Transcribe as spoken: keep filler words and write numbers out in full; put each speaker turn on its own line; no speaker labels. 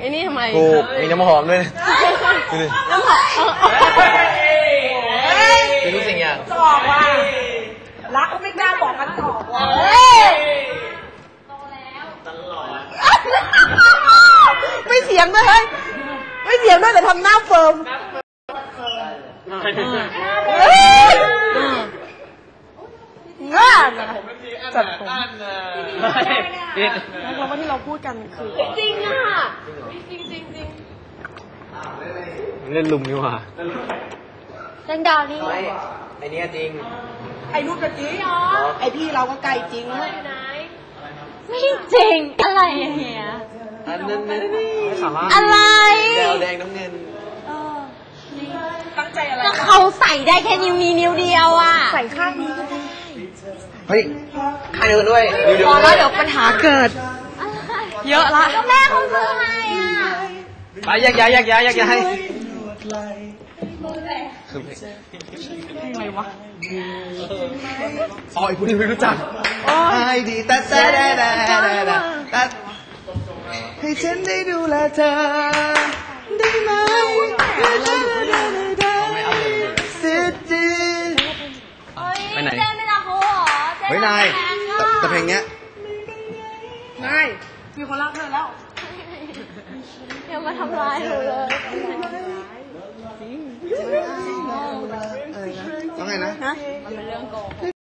อ้นี่ทำไม
กูมีน้ำหอมด้วยดูดิ
น้ำหอม
คือทุกสิ่งอย่าง
ตอบว่ารักก็ไม่กล้าบอกกันตอบว่า
ไม่เสียงด้วยไม่เสียงด้วยแต่ทำหน้าเฟิร์มง่ายนะจัดผมแล้วก็ที่เราพูดกันคือจริงอ่ะจริงจริงจริง
เล่นลุมนี่หว่า
เล่นดาวนี่
ไอเนี้ยจริง
ไอ้รูปกะจีไอ้พี่เราก็ไกลจริงนะ
ไม่จริงอะไรเฮีย
อันนั้นนี่
อะไร
แดวแดงน้ำเงิน
ตั้งใจอะไร
ก็เขาใส่ได้แค่นิ้วนี้นิ้วเดียวอ่ะ
ใส่ข้างนี้ก็ได้
เฮ้ยข้างเดียวด้วย
พอแล้วเดี๋ยวปัญหาเกิดเยอะละก็แม่เขาซื้อให้อ่ะ
ไปแยกย้ายแยกย้ายแยกย้ายคือเพลงอะไรวะอ๋อไอ้ผู้ที่ไม่รู้จักไอ้ดีแต่แต่แต่แต่แต่แต่ให้ฉันได้ดูแลเธอได้ไหมไปไหนเฮ้ยนายแต่เพลงเนี้ย
นายมีคนรักเธอแล้ว
อย่ามาทำร้ายหนูเลย
ต้องไงนะ
มันเป็นเรื่องโกหก